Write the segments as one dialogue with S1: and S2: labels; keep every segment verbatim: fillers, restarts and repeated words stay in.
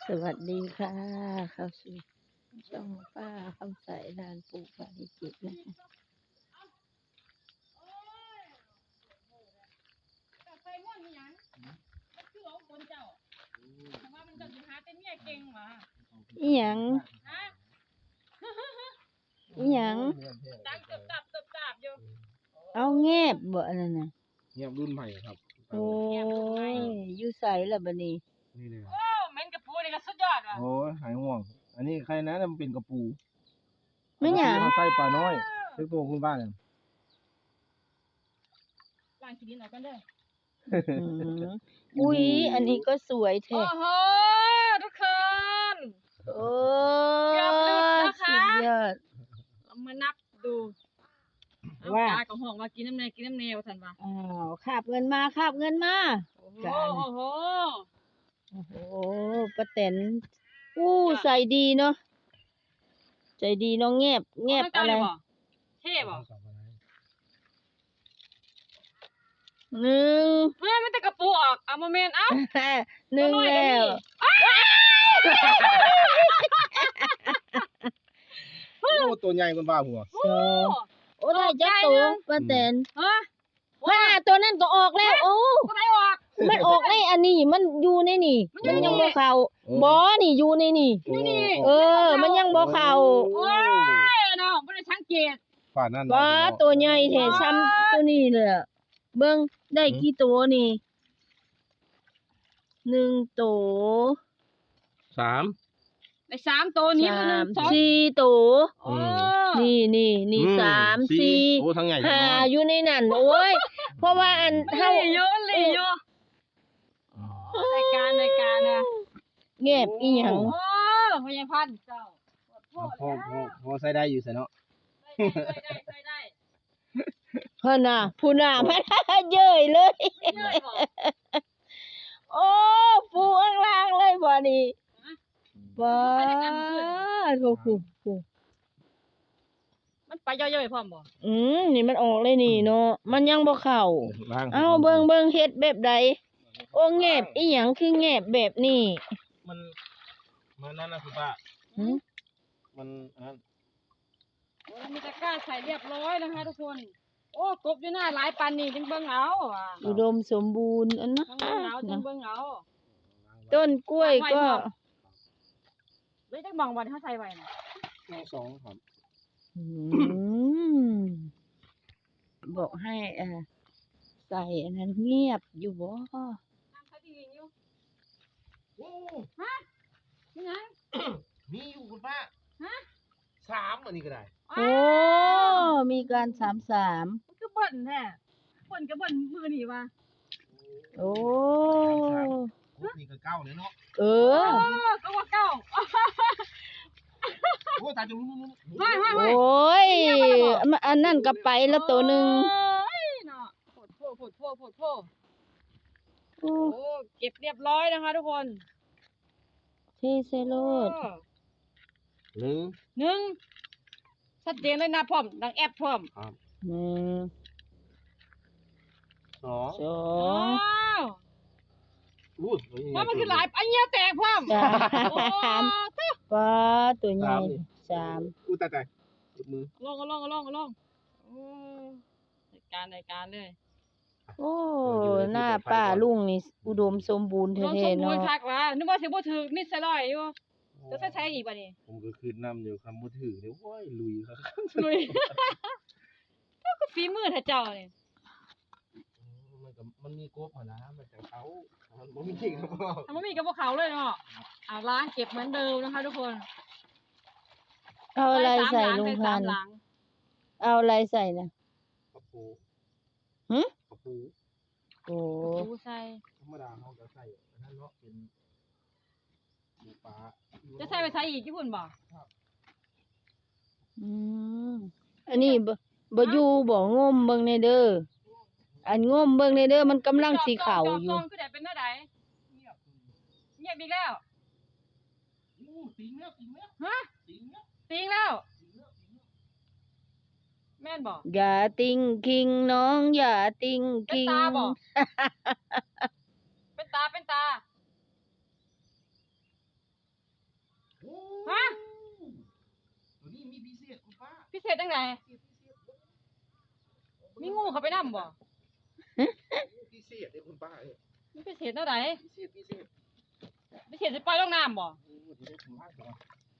S1: สวัสดีค่ะเข้าสู่ช่องป้าคำใสลานปลูกบาริจิตนะคะ
S2: ใส่ม่วนมีหยังมันคือเอาคนเจ้าแต่ว่ามันเจะสิหาแต่เมียเก่งหว่า
S1: อีหยัง
S2: ฮะ
S1: อีหยัง
S2: ดังตึบตับตึบตับอยู่
S1: เอาแงบบ่อันนั้นน่ะ
S3: เงียบรุ่นใหม่ครับ
S1: โอ้ยอยู่ไสล่ะบัดนี้
S3: นี่เลย
S2: โอ้แม่นกระปูนี่ก็สุดยอดว่ะ
S3: โอ้ยหายห่วง อันนี้ใครนะมันเป็นกระปู
S1: แม่นหยัง
S3: เอาใส่ปลาน้อยเล็กตัวคุณบ้านเนี่ย
S2: ล้างขี้ดินออกกันเด้อ
S1: อืมอุ้ยอันนี้ก็สวยแท้
S2: โอ้โหทุกคน
S1: โอ้
S2: เกือบหลุดนะคะ
S1: สุดยอด
S2: เรามานับดูเอา
S1: ว่า
S2: ตากับห้องว่ากินน้ำแน่กินน้ำแน่ว่าซั่นว่า
S1: อ้าวคาบเงินมาคาบเงินมา
S2: โอ้โห
S1: จ้า
S2: โอ้โห
S1: โอ้โหป้าแตนอู้ใส่ดีเนาะใจดีเน้องแงบแงบ
S2: มัน
S1: อะ
S2: เก่า
S1: ไร
S2: เลยบ่เท่บ่
S1: หนึ่ง
S2: เฮ้ยมันแต่กระปูออกเอามาเมนเอ้า
S1: หนึ่งแล้ว
S3: โอ้ตัวใหญ่คุณบ้าหัว
S1: สองโอ้ได้จักตัวป้าแตน
S2: เฮ้ย
S1: ว่าตัวนั้นก็ออกแล้ว โอ้
S2: ก็ไม่ออก
S1: มันออกในอันนี้มันอยู่ในนี่
S2: มั
S1: มัน น
S2: อยู่
S1: ยัง
S2: นี่
S1: บ่เข้าบ่นี่อยู่ในนี่
S2: นี่
S1: เออ มันยังบ่เข้า
S2: โอ้ยน้องบ่ได้สังเกต
S3: ฝ่านั่น
S1: บ่ตัวใหญ่แท้ซ้ำตัวนี้เลยอะเบิ่งได้กี่ตัวนี่หนึ่งตัว
S3: สาม
S2: ได้สามตัวนี้
S1: สา
S2: หนึ่
S1: ม
S2: งสอง
S1: สี่ตัว
S2: โอ้
S1: นี่นี่นี่สามสี่
S3: โอ้ทั้งใหญ่
S1: ห้าอยู่ในนั่นโอ้ย เพราะว่าอัน
S2: เท่า
S1: เท่า
S2: เยอะเลยเยอะรายการรายการนะ
S1: แงบอีหยัง
S2: โอ้พยาพันธ์เจ้า
S3: พอพอพอใส่ได้อยู่ใส่เนาะ
S2: ใส่ได้ใส่ได้
S1: เพิ่นน่ะผู้น่ะมันเย้ยเลย
S2: ใส่ได้บ่
S1: โอ้ฟูข้างล่างเลยบ่นี่บ่โทคุคุ
S2: มันไปย่อยๆพร้อมบ่
S1: อืมนี่มันออกเลยนี่เนาะมันยังบ่เข้า
S3: ล้าง
S1: เอ้าเบิ่งเบิ่งเฮ็ดแบบใดโอ้แงบอีหยังคือแงบแบบนี้
S3: มันมันนั่นนะคุณป้า
S1: หึ
S3: มันนั่น
S2: โอ้มีตะกร้าใส่เรียบร้อยนะคะทุกคน โอ้กบอยู่หน้าหลายปันนี่จึงเบิ่งเอาอ่ะ
S1: อุดมสมบูรณ์อันนะ
S2: จึงเบิ่งเอาจึงเบิ่งเอา
S1: ต้นกล้วยก็
S2: เลยจักมองวันเฮาใส่ไว้น่ะ
S3: น้องสองครับ
S1: อืมบอกให้เอ่อใส่อันนั้นเงียบอยู่บ่
S2: น้ำใส่ดีอยู่
S3: โอ้
S2: ฮะนี่ไง
S3: มีอยู่คุณป้า
S2: ฮะ
S3: สามอันนี้ก็ได้
S1: โอ้ มีการสามสาม
S2: มันก็เบิ่นแท้เบิ่นก็เบิ่นมือนี่ว่ะ
S1: โอ้
S3: โอ้นี่ก็เก้าเลยเนาะ
S1: เอ
S2: เอ
S1: อ
S2: อก็ว่าเก่า
S3: โอ้ตาจะรู้รู้รู้
S2: ไม่ไม่
S1: โอ
S2: ไม่
S1: ้ยมันอันนั้นก็ไปแล้วตัวหนึ่ง
S2: โอ้ยเนาะโผดโผดโผดโผดโผดโผด
S1: โอ้
S2: โอ้เก็บเรียบร้อยนะคะทุกคน
S1: เทเซโลด
S3: หนึ่ง
S2: หนึ่งชัดเจนเลยนะพร้อมดังแอปพร้อม
S1: หนึ่ง
S3: สอง
S1: สอ
S2: ว้าง ว
S3: อู้
S2: ว่ามันคือหลายอันเนี้ยแตกพร้อม
S1: สา
S2: โอ้
S1: มป้าตัวใหญ่สาม
S3: อู้ตายตายมือ
S2: ลงก็ลงก็ลงก็ลงโอ้รายการรายการเลย
S1: โอ้หน้าป้าลุงนี่อุดมสมบูรณ์
S2: ลงส
S1: แท้
S2: ม
S1: ๆ
S2: บูร
S1: เนาะ
S2: ณ์คักว่ะนึกว่าสิบ่ถึกนิดซะร้อยอยู่จะใช้ใช้อีกบ่นี่
S3: ผมก็คือนำอยู่คำมือถือเนี่ยโอ้ยลุยครับ
S2: ลุย เจ้าก็ฝีมือเถอะเจ้านี่
S3: มันก็มันมีกบหัวนะมันจากเขามันบ่มีจริงครับพ่อ
S2: ทำบ่มีกับพวกเขาเลยเนาะอ่าล้างเก็บเหมือนเดิมนะคะทุกคน
S1: เอาอะไรใส่ลุง
S2: ใส่
S1: พั
S2: สาม
S1: นธุ์
S2: หลัง
S1: เอาอะไรใส่นะ
S3: กระปู
S1: หึ
S3: กระปู
S1: โอ้
S2: ปูใส่
S3: ธรรมดาเขาจะใส่อันนั้นเนาะเป็นหมูปลา
S2: จะใส่ไปใส่อีกที่พุ่นบ่
S1: อืมอันนี้บ่บ่อยู่บ่งมเบิ่งในเด้ออันงมเบิ่งในเด้อมันกำลังสีขาวอยู่
S2: จองๆคือได้เป็นเท่าใด
S3: เงียบ
S2: เงียบอีกแล้ว
S3: อู้ติงแล้วติงแล้ว
S2: ฮะ
S3: ติงแล้ว
S2: ติงแล้ว
S3: ติงแล้วติงแล้ว
S2: แม่นบ่
S1: อย่าติงคิงน้องอย่าติง
S2: เป็น
S1: คิง
S2: ตาบ่ เป็นตาเป็นตา
S3: ศษคุณป้า
S2: พิเศษจังไดมีงูเข้าไปนำบ่
S3: พิเศษเลยคุณป้าเอ้ย
S2: มันพิเศษเท่าใด
S3: พิเศษพิเศษ
S2: พิเศษสิปล่อยลงน้ำบ่
S3: โอ้ดีเลยคุณป้าก่อน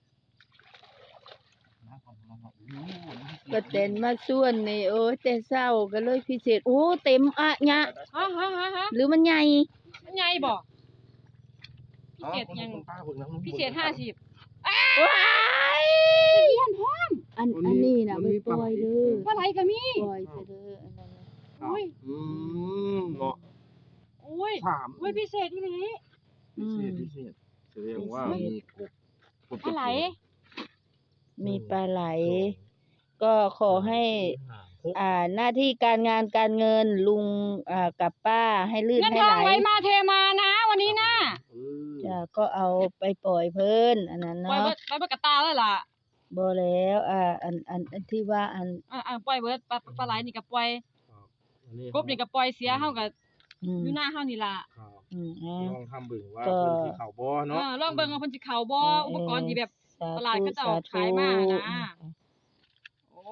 S3: น้ำก่อนน้ำก่อนโอ้โห
S1: ป้าแตนมาส่วนนี่โอ้ยแต่เศร้าก็เลยพิเศษโอ้เต็มอะยะ
S2: ฮะฮะฮะฮะ
S1: หรือมันใหญ่
S2: มันใหญ่บ่พิ
S3: อ๋อ
S2: เศษ
S3: คุณ
S2: ยัง
S3: คุณป้าเบิ่งน้ำ
S2: พิเศษห้าสิบ
S1: ว้ายอันอันนี้น่ะไปปล่อยเด้อ
S2: ปลาไหลก็มี
S1: ปล่อยซะเด้ออันนั้นน่ะ
S2: อุ้ย
S3: อืมเนาะ
S2: อุ้ย
S3: สาม
S2: อุ้ยพิเศษอีหลี
S3: พิเศษพิเศษแสดงว่ามีกบกบ
S2: ปลาไหล
S1: มีปลาไหล ก็ขอให้ อ่าหน้าที่การงานการเงินลุงอ่ากับป้าให้ลื่น
S2: เงิน
S1: ให้
S2: ทอ
S1: ไห
S2: ง
S1: ล
S2: ไหลมาเทมานะวันนี้นะ
S3: เออ
S1: จ้ะก็เอาไปปล่อยเพิ่นอันนั้น
S2: ปล่อย
S1: เนาะ
S2: เบิดปล่อยเบิดกระตาแล้วล่ะ
S1: บ่แล้วอ่าอันอันอันที่ว่าอัน
S2: อ่าอ่าปล่อยเบิดปลาปลาไหลนี่ก็ปล่อย
S3: อันนี้
S2: กบนี่ก็ปล่อยเสียเฮาก็
S1: อืม
S2: อยู่หน้าเฮานี่ล่ะ
S3: ครับ
S1: อืมอ่า
S3: ลองทำเบิ่งว่า
S1: ก็
S3: เพิ่นสิเข้าบ่
S2: เอ
S3: เนาะ
S2: อลองเบิ่งว่าเพิ่นสิเข้าบ่
S1: เออ
S2: อุปกรณ์ที่แบบ
S1: สา
S2: ตลาด
S1: ธุ
S2: ก็จะ
S1: สา
S2: ขายมานะ
S1: ธุ
S2: โอ้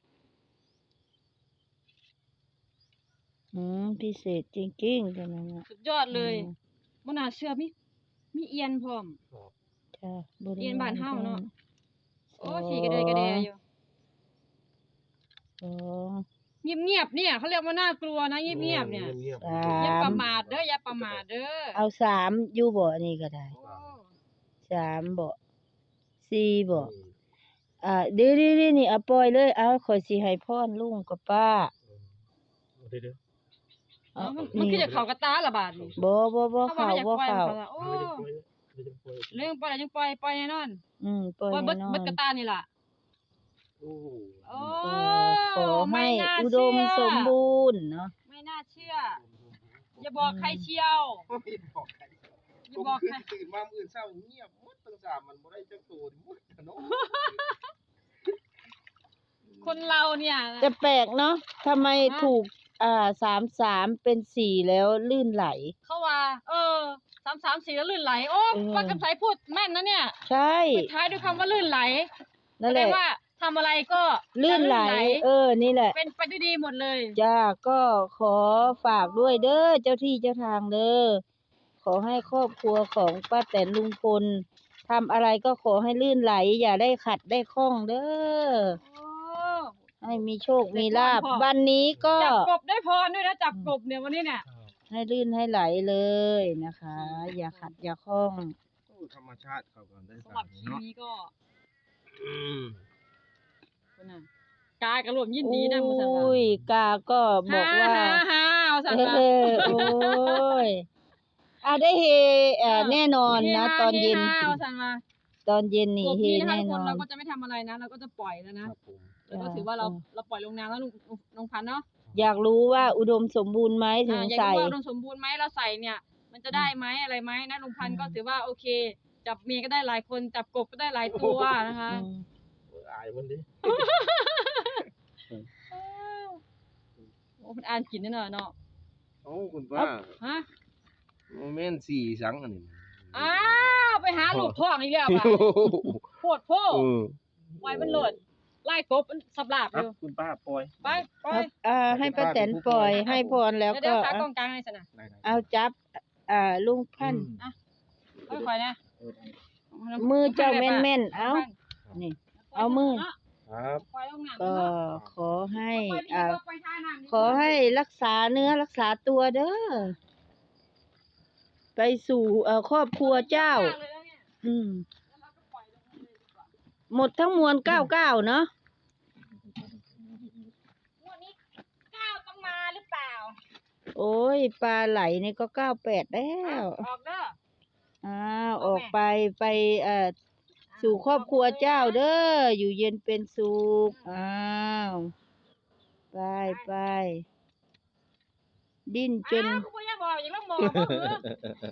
S1: อืมพิเศษจริงๆจังนั้นน่ะ
S2: สุดยอดเลย
S1: อืม
S2: บ่น่าเชื่อมีมีเอียนพร้อม
S1: จ้ะบ่ได้
S2: เรียนบ้านเฮาเนาะ โอ้
S1: สอง
S2: ขี่กระเดยกระเดยอยู่
S1: สอง
S2: เงียบๆเนี่ยเขาเรียกว่าน่ากลัวนะเงียบๆเนี่ย
S3: เงียบๆ
S1: สา
S2: อย่าม ประมาทเด้ออย่าประมาทเด้อ
S1: เอาสามอยู่บ่นี่ก็ได้
S2: โอ้
S1: สามบ่สี่บ่อ่าเดี๋ยวๆๆนี่เอาปล่อยเลยเอาข่อยสิให้พรลุงกับป้า
S3: เอาเด้อ
S1: เอา
S2: เอามันมันคือจะเข้ากระตาละบาดนี่
S1: บ่บ่บ่
S2: เขาว่า
S1: เข้า
S2: ไม่อยาก
S1: บ่
S2: ปล่อย
S1: เข้า
S2: มันเขาละโอ้
S3: ไม่ได้ปล่อยไม่ได้ปล่อย
S2: เรื่องปล่อยแล้วยังปล่อยปล่อยแน่นอน
S1: อืมปล่อย
S2: ปล่อยเบิด
S1: แน่นอ
S2: เบิด
S1: น
S2: กระตานี่ล่ะ
S3: โอ้โห
S2: โอ้
S1: เออขอให้
S2: ไม่น่า
S1: อุดม
S2: เชื่อ
S1: สมบูรณ์เนาะ
S2: ไม่น่าเชื่อ อย่าบอกใครเชียว
S3: ไม่บอกใคร
S2: อย่าบอก
S3: ผม
S2: ใคร
S3: คืนตื่นมามื้ออื่นเช้าเงียบหมดตั้งสามมันบ่ได้จักโตหมดเนาะ
S2: คนเราเนี่ย
S1: จะแปลกเนาะทำไมถูกอ่าสามสามเป็นสี่แล้วลื่นไหล
S2: เขาว่า เออสามสามสี่แล้วลื่นไหล โอ้
S1: เออ
S2: ป้ากำไสพูดแม่นนะเนี่ย
S1: ใช่
S2: ปิดท้ายด้วยคำว่าลื่นไหล
S1: นั่นแหละ
S2: แสดงว่าทำอะไรก็
S1: ลื่นไหล เออ นี่แหละ
S2: เป็นไปด้วยดีหมดเลย
S1: จ้าก็ขอฝากด้วยเด้อเจ้าที่เจ้าทางเด้อขอให้ครอบครัวของป้าแตนลุงพลทำอะไรก็ขอให้ลื่นไหล อย่าได้ขัดได้ข้องเด้อ
S2: โอ้
S1: ให้มีโชคมีลาบ
S2: ได้พร
S1: วันนี้ก็
S2: จับกบได้พรด้วยนะจับกบเนี่ยวันนี้เนี่ย
S1: ให้ลื่นให้ไหลเลยนะคะ อย่าขัดอย่าข้อง
S3: โอ้ธรรมชาติเขาก็ได้
S2: สำหรับคลิป
S3: เนาะ
S2: นี้ก็
S3: อืม
S2: คนน่ะกายกระรวมยินดีนะมุสัน
S1: โอ้ยกาก็บอกว่า
S2: ฮ่าฮ่าเอาสัน
S1: เอ
S2: ว่า
S1: อโอ้ยอ่ะได้เฮเอ่อแน่นอนนะ ตอนเย็น
S2: ฮ่าเอาสันว่า
S1: ตอนเย็นนี่
S2: กบ
S1: เฮ
S2: นี้นะคะ
S1: แน่
S2: ทุก
S1: น
S2: ค
S1: อน น
S2: เราก็จะไม่ทำอะไรนะ เราก็จะปล่อยแล้ว
S3: ค
S2: นะ
S3: รับผม
S2: แล้วก็ถือว่าเราเราปล่อยลงน้ำแล้วลุงลุงพันธุ์เนาะ
S1: อยากรู้ว่าอุดมสมบูรณ์ไหมถึง
S2: อ่าอยาก
S1: ใส่
S2: รู้ว่าอุดมสมบูรณ์ไหมเราใส่เนี่ย มันจะได้ไหมอะไรไหมนะลุงพันธุ์ก็ถือว่าโอเค จับเมียก็ได้หลายคนจับกบก็ได้หลายตัวนะคะ
S1: อืม
S3: เอออายมันดิ
S2: โอ้มันอ่านกินแน่นอนเนาะ
S3: โอ้คุณป้า
S2: ฮะ
S3: โมเมนต์สี่สังอันนี้
S2: อ้าวไปหาลูกพ่องอีกแล้วป่ะโพดโพ
S3: เออ
S2: ปล่อยมันโหลดไล่กบมันสับหลาบ
S3: ครั
S2: อบ ยู่
S3: คุณป้าปล่อย
S2: ไปไป
S1: เอาอ่าให้ป้าแตนปล่อยให้พรแล้ว
S2: เดี๋
S1: ก็
S2: ยวๆขาก
S1: อ่ะ
S2: ล้องกลางให้สนะ
S3: ได้ๆ
S1: เอาจับ อ่าลุงพันธุ์
S2: ค่อยๆนะ
S3: เออ
S1: มือเจ้าแม่นๆเอานี่ เอามือ
S3: ครับ
S2: ปล่อยลงน้ำ
S1: ก็
S2: เนาะ
S1: ขอให้
S2: ปล่อยดี
S1: อ่า
S2: กว่าปล่อยท่าน้ำดีกว่า
S1: ขอให้รักษาเนื้อรักษาตัวเด้อ ไปสู่เอ่อครอบครัวเจ้า
S2: เลยนะเนี่ย
S1: อืม
S2: แล้วเราก็ปล่อยลงเลยดีกว่า
S1: หมดทั้งมวลเก้าเก้าเนาะ
S2: งวดนี้ก้าวต้องมาหรือเปล่า
S1: โอ้ยปลาไหลนี่ก็เก้าแปดแล้ว
S2: ออกเด้อ
S1: อ้าวออกไปไปเอ่อสู่ครอบครัวเจ้าเด้ออยู่เย็นเป็นสุขอ้าวไปไปดิ้นจน
S2: อ้าวคุณพ่ออยากบอกอยากล่องหมอบ่เหรอ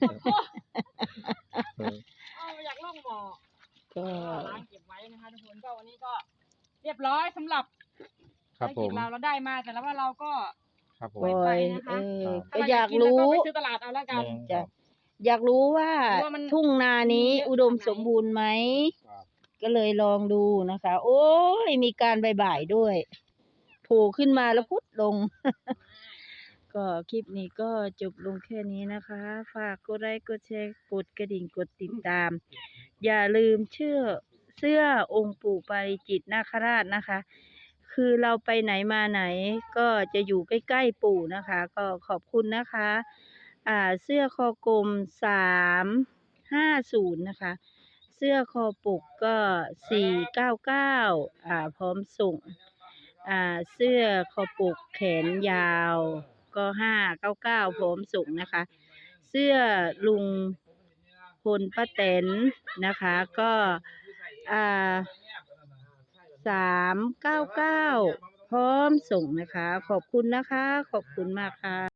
S2: เอาอยากล่องหมอ
S1: ก็
S2: ล้างเก็บไว้นะคะทุกคนก็วันนี้ก็เรียบร้อยสำหรับ
S3: ครับ
S2: ภาร
S3: ผ
S2: กิจ
S3: ม
S2: เราเราได้มาแต่แล้วว่าเราก็
S3: ครับผ
S1: ป
S3: ม
S1: ล่อย
S2: นะคะ
S1: เออ
S2: ถ้
S1: ก็
S2: เร
S1: อยาก
S2: นเ
S1: รู้
S2: ก็ไปซื้อตลาดเอาแล้วกัน
S1: จ้ะอยากรู้ว่า
S2: ว่ามัน
S1: ทุ่งนานี้
S2: มีเยอะ
S1: อุดม
S2: ขนาดไหน
S1: สมบูรณ์ไหม
S3: ครับ
S1: ก็เลยลองดูนะคะ โอ้ยมีการบ่ายๆด้วยโผล่ขึ้นมาแล้วพุดลง ก็คลิปนี้ก็จบลงแค่นี้นะคะ ฝากกดไลค์กดแชร์กดกระดิ่งกดติดตาม อย่าลืมเชื่อเสื้อองค์ปู่ปาริจิตนาคราชนะคะ คือเราไปไหนมาไหนก็จะอยู่ใกล้ๆปู่นะคะ ก็ขอบคุณนะคะ อ่าเสื้อคอกลมสามห้าศูนย์นะคะ เสื้อคอปกก็สี่เก้าเก้าอ่าพร้อมส่ง อ่าเสื้อคอปกแขนยาวก็ห้าเก้าเก้าพร้อมส่งนะคะ เสื้อลุงพลป้าแตนนะคะ ก็อ่าสามเก้าเก้าพร้อมส่งนะคะ ขอบคุณนะคะ ขอบคุณมากค่ะ